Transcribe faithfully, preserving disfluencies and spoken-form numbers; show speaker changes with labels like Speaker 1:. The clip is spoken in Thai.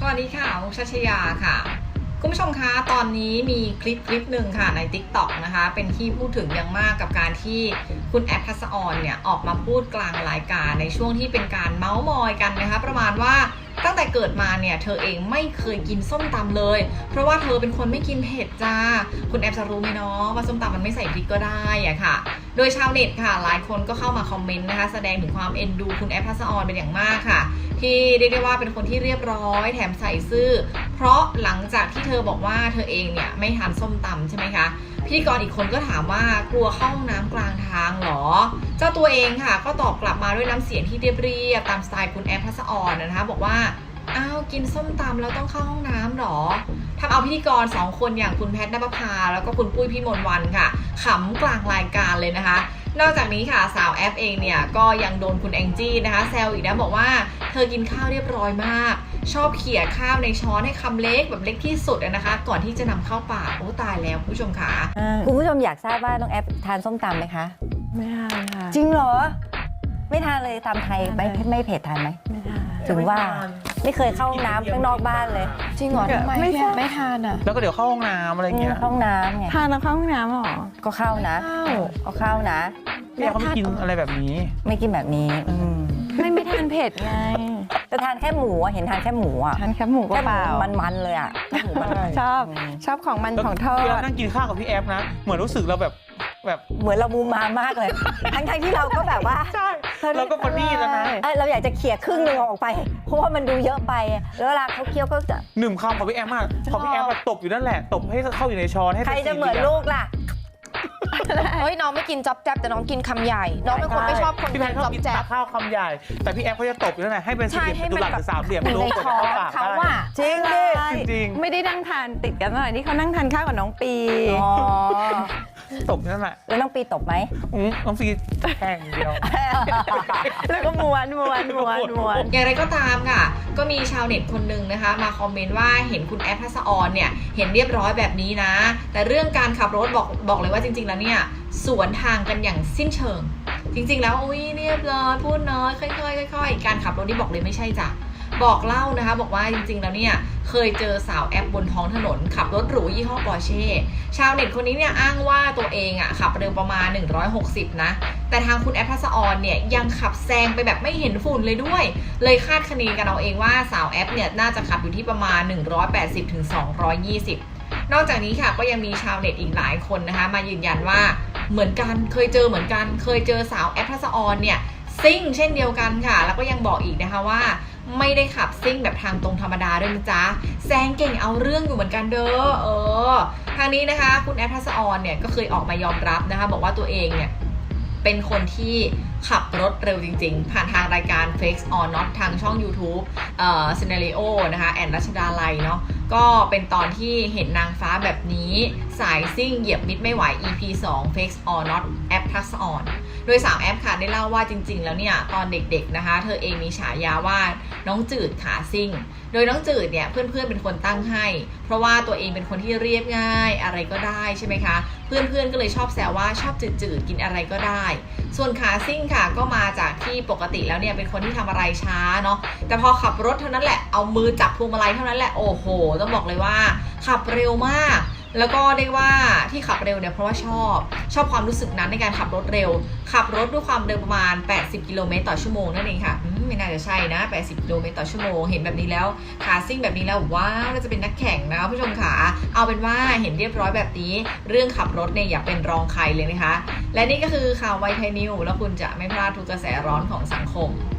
Speaker 1: วัสดีค่ะมุกชัชยาค่ะคุณผู้ชมคะตอนนี้มีคลิปคลิปหนึ่งค่ะใน ติ๊กต็อก นะคะเป็นที่พูดถึงอย่างมากกับการที่คุณแอฟทัศออนเนี่ยออกมาพูดกลางรายการในช่วงที่เป็นการเม้ามอยกันนะคะประมาณว่าตั้งแต่เกิดมาเนี่ยเธอเองไม่เคยกินส้มตำเลยเพราะว่าเธอเป็นคนไม่กินเผ็ดจ้าคุณแอฟจะรู้ไหมเนาะว่าส้มตำมันไม่ใส่พริกก็ได้อะค่ะโดยชาวเน็ตค่ะหลายคนก็เข้ามาคอมเมนต์นะคะแสดงถึงความเอ็นดูคุณแอฟทัศออนเป็นอย่างมากค่ะที่เรียกได้ว่าเป็นคนที่เรียบร้อยแถมใส่ซื่อเพราะหลังจากที่เธอบอกว่าเธอเองเนี่ยไม่ทานส้มตำใช่ไหมคะพิธีกรอีกคนก็ถามว่ากลัวเข้าห้องน้ำกลางทางหรอเจ้าตัวเองค่ะก็ตอบกลับมาด้วยน้ำเสียงที่เรียบๆตามสไตล์คุณแอฟทัศออนนะคะบอกว่าอ้าวกินส้มตำแล้วต้องเข้าห้องน้ำหรอทำเอาพิธีกรสองคนอย่างคุณแพทย์ณภาแล้วก็คุณปุ้ยพี่มนต์วันค่ะขำกลางรายการเลยนะคะนอกจากนี้ค่ะสาวแอฟเองเนี่ยก็ยังโดนคุณแองจี้นะคะแซวอีกนะบอกว่าเธอกินข้าวเรียบร้อยมากชอบเขี่ยข้าวในช้อนให้คำเล็กแบบเล็กที่สุดนะคะก่อนที่จะนำเข้าปากโอ้ตายแล้วผู้ชมค่ะ
Speaker 2: คุณผู้ชมอยากทราบว่าน้องแอฟทานส้มตำไหมคะ
Speaker 3: ไม่ทานค่ะ
Speaker 2: จริงเหรอไม่ทานเลยตำไทยไม่ไม่เผ็ดทานไหม
Speaker 3: ไม่ทาน
Speaker 2: ถึงว่าไม่เคยเข้าห้องน้ำข้างนอกบ้านเลย
Speaker 3: จริงเหรอทำไมไม่ไม่ทานอ่ะ
Speaker 4: แล้วก็เดี๋ยวเข้าห้องน้ำอะไรเงี้ย
Speaker 2: ห้องน้ำไง
Speaker 3: ทานแล้วเข้าห้องน้ำหรอ
Speaker 2: ก็เข้านะก็เข้านะ
Speaker 4: พี่เขาไม่กินอะไรแบบนี้
Speaker 2: ไม่กินแบบนี้
Speaker 3: ไม่ไม่ทานเผ็ดไง
Speaker 2: แต่ทานแค่หมูเห็นทานแค่หมูอ่ะ
Speaker 3: ทานแค่หมูก็เปล่า
Speaker 2: มันๆเลยอ่ะ
Speaker 3: ชอบชอบของมันของทอด
Speaker 4: นั่งกินข้าวกับพี่แอฟนะเหมือนรู้สึกเราแบบแบบ
Speaker 2: เหมือนเรามูมามากเลยทั้งๆที่เราก็แบบว่า
Speaker 4: ใช่เราก็พอดีแล้วนะ
Speaker 2: เราอยากจะเขี่ยครึ่งนึงออกไปเพราะว่ามันดูเยอะไปแล้วเวลาเขาเคี้ยวก็จะ
Speaker 4: หนึ่งคำของพี่แอฟมากพอพี่แอฟตบอยู่นั่นแหละตบให้เข้าอยู่ในช้อนให้
Speaker 2: ใครจะเหมือนลูกล่ะ
Speaker 5: เฮ้ยน้องไม่กินจ๊อบแจ๊บแต่น้องกินคำใหญ่น้องเป็นคนไม่ชอบคน
Speaker 4: พี่แพทชอบกินข้าวคำใหญ่แต่พี่แอฟเขาจะตบอยู่นั่นแหละให้เป็นสี่เหลี่ยมจัตุรัสหรือสามเหลี่ยม
Speaker 5: ลูกในคอเขาว่า
Speaker 2: จริงดิ
Speaker 4: จริง
Speaker 3: ไม่ได้นั่งทานติดกันเท่าไหร่ที่เขานั่งทานข้าวกับน้องปี
Speaker 4: ตบนั่นแหละ
Speaker 2: แล้วน้องปีตบไหม
Speaker 4: น้องปีแข่งเดียว
Speaker 3: แล้วก็ม้วนม้วนม้วนม้วน
Speaker 1: อย่างไรก็ตามค่ะก็มีชาวเน็ตคนหนึ่งนะคะมาคอมเมนต์ว่าเห็นคุณแอฟทัศออนเนี่ยเห็นเรียบร้อยแบบนี้นะแต่เรื่องการขับรถบอกบอกเลยว่าจริงๆแล้วเนี่ยสวนทางกันอย่างสิ้นเชิงจริงๆแล้วอุ้ยเรียบร้อยพูดน้อยค่อยๆค่อยๆการขับรถนี่บอกเลยไม่ใช่จ้ะบอกเล่านะคะบอกว่าจริงๆแล้วเนี่ยเคยเจอสาวแอปบนท้องถนนขับรถหรูยี่ห้อปอร์เช่ชาวเน็ตคนนี้เนี่ยอ้างว่าตัวเองอ่ะขับเร็วประมาณหนึ่งร้อยหกสิบนะแต่ทางคุณแอปทัศออนเนี่ยยังขับแซงไปแบบไม่เห็นฝุ่นเลยด้วยเลยคาดคะเนกันเอาเองว่าสาวแอปเนี่ยน่าจะขับอยู่ที่ประมาณหนึ่งร้อยแปดสิบถึงสองร้อยยี่สิบนอกจากนี้ค่ะก็ยังมีชาวเน็ตอีกหลายคนนะคะมายืนยันว่าเหมือนกันเคยเจอเหมือนกันเคยเจอสาวแอปทัศออนเนี่ยซิ่งเช่นเดียวกันค่ะแล้วก็ยังบอกอีกนะคะว่าไม่ได้ขับซิ่งแบบทางตรงธรรมดาด้วยนะจ๊ะแซงเก่งเอาเรื่องอยู่เหมือนกันเด้อเออทางนี้นะคะคุณแอฟทัศออนเนี่ยก็เคยออกมายอมรับนะคะบอกว่าตัวเองเนี่ยเป็นคนที่ขับรถเร็วจริงๆผ่านทางรายการ Fake or Not ทางช่อง YouTube เอ่อ Scenario นะคะแอนรัชดาลัยเนาะก็เป็นตอนที่เห็นนางฟ้าแบบนี้สายซิ่งเหยียบมิดไม่ไหว อี พี สอง Fake or Not แอฟทัศออนโดยสาวแอฟค่ะได้เล่าว่าจริงๆแล้วเนี่ยตอนเด็กๆนะคะเธอเองมีฉายาว่าน้องจืดขาซิ่งโดยน้องจืดเนี่ยเพื่อนๆเป็นคนตั้งให้เพราะว่าตัวเองเป็นคนที่เรียบง่ายอะไรก็ได้ใช่ไหมคะเพื่อนๆก็เลยชอบแซวว่าชอบจืดๆกินอะไรก็ได้ส่วนขาซิ่งค่ะก็มาจากที่ปกติแล้วเนี่ยเป็นคนที่ทำอะไรช้าเนาะแต่พอขับรถเท่านั้นแหละเอามือจับพวงมาลัยเท่านั้นแหละโอ้โหต้องบอกเลยว่าขับเร็วมากแล้วก็เรียกว่าที่ขับเร็วเนี่ยเพราะว่าชอบชอบความรู้สึกนั้นในการขับรถเร็วขับรถด้วยความเร็วประมาณแปดสิบกิโลเมตรต่อชั่วโมงนั่นเองค่ะไม่น่าจะใช่นะแปดสิบกิโลเมตรต่อชั่วโมงเห็นแบบนี้แล้วขาซิ่งแบบนี้แล้วว้าวน่าจะเป็นนักแข่งนะผู้ชมขาเอาเป็นว่าเห็นเรียบร้อยแบบนี้เรื่องขับรถเนี่ยอย่าเป็นรองใครเลยนะคะและนี่ก็คือข่าวไวไทยนิวแล้วคุณจะไม่พลาดทุกกระแสร้อนของสังคม